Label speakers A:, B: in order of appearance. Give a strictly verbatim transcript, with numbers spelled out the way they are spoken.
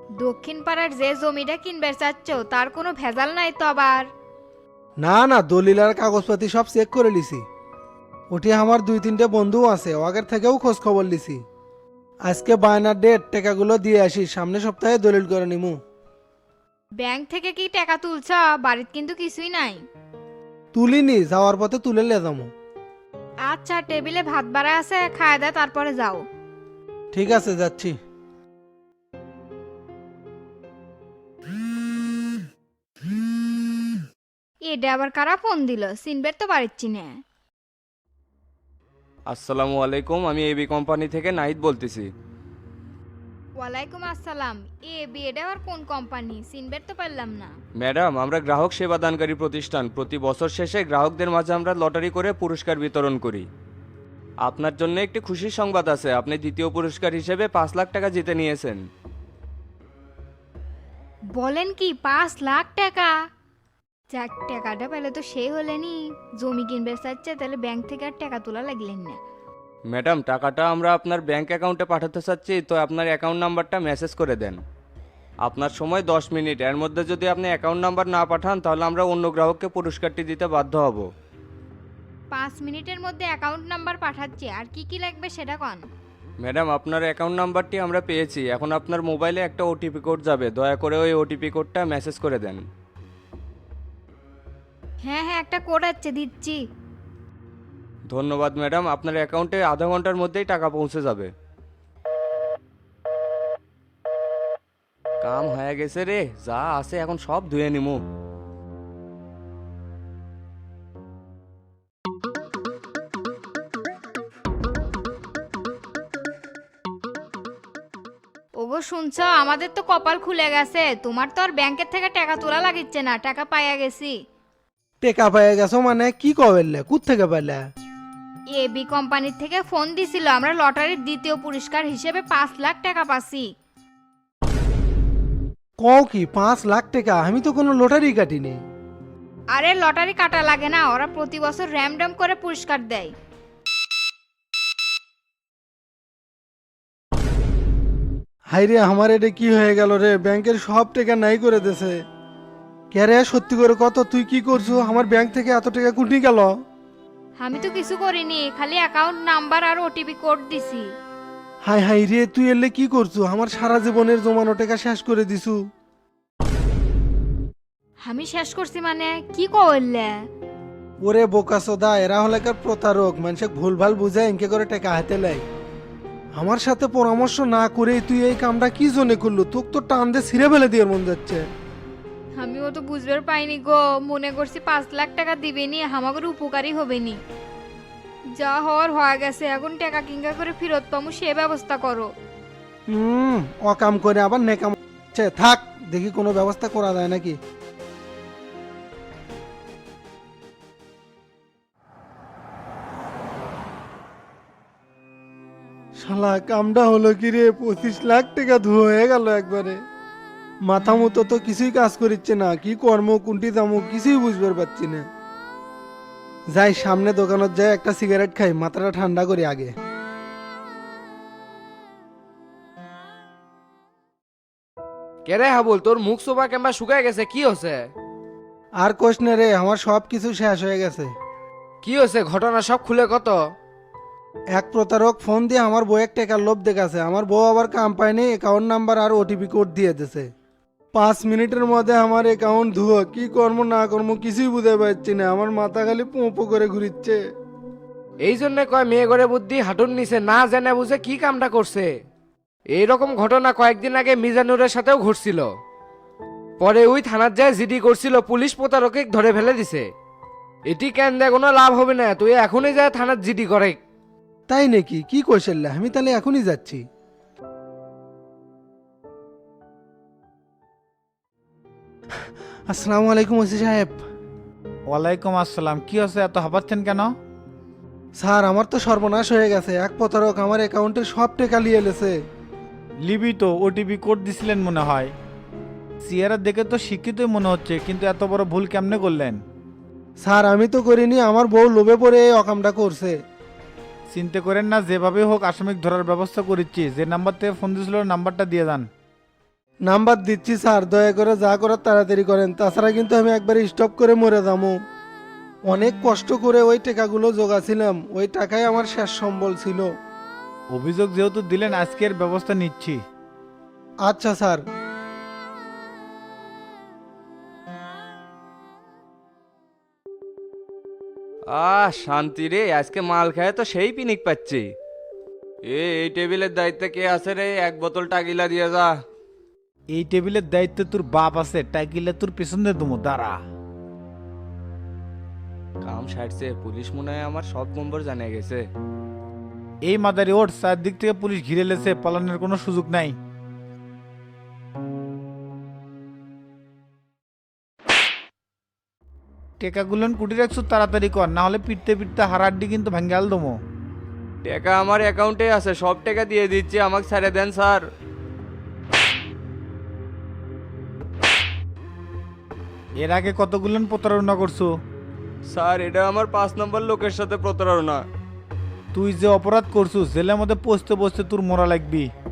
A: দক্ষিণ পাড়ার যে জমিটা কিনবে চাচ্ছ তার কোনো ভেজাল নাই তো আবার?
B: না না, দলিল আর কাগজপাতি সব চেক করে লিছি। ওটি আমার দুই তিনটে বন্ধু আছে, ও আগের থেকেও খোঁজ খবর লিছি। আজকে বায়নার ডেট, টাকাগুলো দিয়ে আসি, সামনের সপ্তাহে দলিল করে নিমু।
A: ব্যাংক থেকে কি টাকা তুলছ? বাড়িতে কিন্তু কিছুই নাই।
B: তুলিনি, যাওয়ার পথে তুলে লে যাবো।
A: আচ্ছা, টেবিলে ভাত বাড়া আছে, খায় দাও তারপরে যাও।
B: ঠিক আছে, যাচ্ছি।
A: এটা আবার কারা ফোন দিল? সিনবের তো বাড়িচ্ছি না।
C: আসসালামু আলাইকুম, আমি এবি কোম্পানি থেকে নাহিদ বলতেছি।
A: ওয়ালাইকুম আসসালাম। এ বিয়েটা আবার কোন কোম্পানি? সিনবের তো পারলাম না।
C: ম্যাডাম, আমরা গ্রাহক সেবা দানকারী প্রতিষ্ঠান। প্রতি বছর শেষে গ্রাহকদের মাঝে আমরা লটারি করে পুরস্কার বিতরণ করি। আপনার জন্য একটি খুশির সংবাদ আছে, আপনি দ্বিতীয় পুরস্কার হিসেবে পাঁচ লাখ টাকা জিতে নিয়েছেন।
A: বলেন কি, পাঁচ লাখ টাকা? যাক, টাকাটা পেলে তো সেই হলেনি। জমি কিনবে চাচ্ছে, তাহলে ব্যাংক থেকে আর টাকা তোলা লাগলেন না।
C: ম্যাডাম, টাকাটা আমরা আপনার ব্যাংক অ্যাকাউন্টে পাঠাতে চাচ্ছি, তো আপনার অ্যাকাউন্ট নাম্বারটা মেসেজ করে দেন। আপনার সময় দশ মিনিট, এর মধ্যে যদি আপনি অ্যাকাউন্ট নাম্বার না পাঠান তাহলে আমরা অন্য গ্রাহককে পুরস্কারটি দিতে বাধ্য হব।
A: পাঁচ মিনিটের মধ্যে অ্যাকাউন্ট নাম্বার পাঠাচ্ছি, আর কি কি লাগবে সেটা কন।
C: ম্যাডাম, আপনার অ্যাকাউন্ট নাম্বারটি আমরা পেয়েছি, এখন আপনার মোবাইলে একটা ওটিপি কোড যাবে, দয়া করে ওই ওটিপি কোডটা মেসেজ করে দেন।
A: হ্যাঁ হ্যাঁ, একটা কোড আছে, দিচ্ছি।
C: ধন্যবাদ ম্যাডাম, আপনার অ্যাকাউন্টে আধা ঘন্টার মধ্যেই টাকা পৌঁছে যাবে। কাম হয়ে গেছে রে, যা আছে এখন সব ধুয়ে নিমু।
A: ওগো শুনছ, আমাদের তো কপাল খুলে গেছে। তোমার তো আর ব্যাংকের থেকে টাকা তোলা লাগিচ্ছে না, টাকা পাইয়া গেছি।
B: টেকা পেয়ে গেছো মানে? কি কবেললে, কুত থেকে পেলে?
A: এবি কোম্পানির থেকে ফোন দিছিল, আমরা লটারির দ্বিতীয় পুরস্কার হিসেবে পাঁচ লাখ টাকা পাচ্ছি।
B: কও কি, পাঁচ লাখ টাকা? আমি তো কোনো লটারি কাটিনি।
A: আরে লটারি কাটা লাগে না, ওরা প্রতি বছর র্যামডম করে পুরস্কার দেয়।
B: হাইরে, আমার এটা কি হয়ে গেল রে? ব্যাংকের সব টাকা নাই করে দেছে। কে রে, সত্যি করে কত, তুই কি করছো? আমার ব্যাংক থেকে এত টাকা কুটি গেল?
A: আমি তো কিছু করিনি, খালি অ্যাকাউন্ট নাম্বার আর ওটিপি কোড দিছি।
B: হাই হাই রে, তুই এলে কি করছো? আমার সারা জীবনের জমানো টাকা শেষ করে দিছু।
A: আমি শেষ করছি মানে কি করলে?
B: ওরে বোকাসোদা, এরা হলে কার প্রতারক, মানুষকে ভুলভাল বুঝায় ইনকে করে টাকা হাতে লাই। আমার সাথে পরামর্শ না করে তুই এই কামটা কি জন্য করলো? তোকে তো টান দিয়ে ছিঁড়ে ফেলে দিয়ে মন যাচ্ছে।
A: আমিও তো বুঝবার পাইনি গো, মনে করছি পাঁচ লাখ টাকা দিবেনি, আমাদের উপকারী হবেনি। যা হওয়ার হয়ে গেছে, এখন টাকা কিঙ্গা করে ফেরত পামু সে ব্যবস্থা করো।
B: হুম, অকাম করে আবার নেকাম হচ্ছে। থাক, দেখি কোনো ব্যবস্থা করা যায় নাকি। শালা, কামটা হলো কি রে? পঁচিশ লাখ টাকা ধুয়ে হয়ে গেল একবারে। মাথা মতো তো কিছুই কাজ করিচ্ছে না, কি কর্ম কোনটি দামো কিছুই বুঝবার পারছি না। যাই সামনে দোকানত যাই, একটা সিগারেট খাই, মাথাটা ঠান্ডা করি আগে।
D: কেরে হাবুল, তোর মুখ সোফা কেমবা শুকায় গেছে, কি হচ্ছে?
B: আর কোশ নে রে, আমার সব কিছু শেষ হয়ে গেছে।
D: কি হচ্ছে ঘটনা, সব খুলে কত?
B: এক প্রতারক ফোন দিয়ে আমার বউয়ের টাকার লোভ দেখাছে। আমার বউ আবার কাম পায়নি, অ্যাকাউন্ট নাম্বার আর ওটিপি কোড দিয়ে দিছে। পাঁচ মিনিটের মধ্যে আমার অ্যাকাউন্ট ধুয়ো, কি কর্ম না কর্ম কিছুই বুঝতে পারছি না। আমার মাথা খালি পোঁপো করে ঘুরিচ্ছে।
D: এই জন্য কয় মেয়ে ঘরে বুদ্ধি হাঁটুর নিচে, না জেনে বুঝে কি কামটা করছে। এই রকম ঘটনা কয়েকদিন আগে মিজানুরের সাথেও ঘটছিল। পরে ওই থানার যায় জিডি করছিল, পুলিশ প্রতারকে ধরে ফেলে দিছে। এটি কেন দেয়, কোনো লাভ হবে না, তুই এখনই যায় থানার জিডি করে।
B: তাই নাকি? কি কৌশল্যা? আমি তাহলে এখনই যাচ্ছি। আসসালামু আলাইকুম ওসি সাহেব।
E: ওয়ালাইকুম আসসালাম। কি হচ্ছে, এত হাঁপাচ্ছেন কেন?
B: স্যার, আমার তো সর্বনাশ হয়ে গেছে। এক প্রতারক আমার অ্যাকাউন্টের সব টাকা নিয়ে এলেছে।
E: লিবি তো ওটিপি কোড দিছিলেন মনে হয়। সিয়ারা দেখে তো শিক্ষিতই মনে হচ্ছে, কিন্তু এত বড় ভুল কেমনে করলেন?
B: স্যার, আমি তো করিনি, আমার বউ লোভে পড়ে এই অকামটা করছে।
E: চিন্তা করেন না, যেভাবে হোক আসামিক ধরার ব্যবস্থা করেছি। যে নাম্বার থেকে ফোন দিয়েছিল নাম্বারটা দিয়ে দেন।
B: নাম্বার দিচ্ছি স্যার, দয়া করে যা করার তাড়াতাড়ি করেন, তাছাড়া কিন্তু আমি একবারে স্টপ করে মরে যাবো। অনেক কষ্ট করে ওই টাকাগুলো জোগাছিলাম, ওই টাকাই আমার শেষ সম্বল ছিল।
E: অভিযোগ যেহেতু দিলেন আজকের ব্যবস্থা নিচ্ছি।
B: আচ্ছা স্যার।
C: আহ শান্তি রে, আজকে মাল খায় তো সেই পিনিক পাচ্ছি। এ এই টেবিলের দায়িত্বে কে আছে রে? এক বোতল টাকিলা দিয়ে যা।
E: এই টেবিলের দায়িত্বে তোর বাপ আছে, টাইকিলে তোর পেছনে দুমো দাঁড়া।
C: কাম সারছে, পুলিশ মনে হয় আমার সব নম্বর জানিয়ে গেছে।
E: এই মাদারি ওঠ, চারদিক থেকে পুলিশ ঘিরে লেছে, পালানোর কোনো সুযোগ নাই। টেকাগুলোন কুটি রাখছো, তাড়াতাড়ি কর, না হলে পিটতে পিটতে হারাড্ডি কিন্তু ভেঙ্গাল দমো।
C: টাকা আমার অ্যাকাউন্টে আছে, সব টাকা দিয়ে দিচ্ছি, আমাকে ছেড়ে দেন স্যার।
E: এর আগে কতগুলোন প্রতারণা করছো?
C: স্যার এটা আমার পাঁচ নম্বর লোকের সাথে প্রতারণা।
E: তুই যে অপরাধ করছো, জেলের মধ্যে পচতে পচতে তোর মরা লাগবি।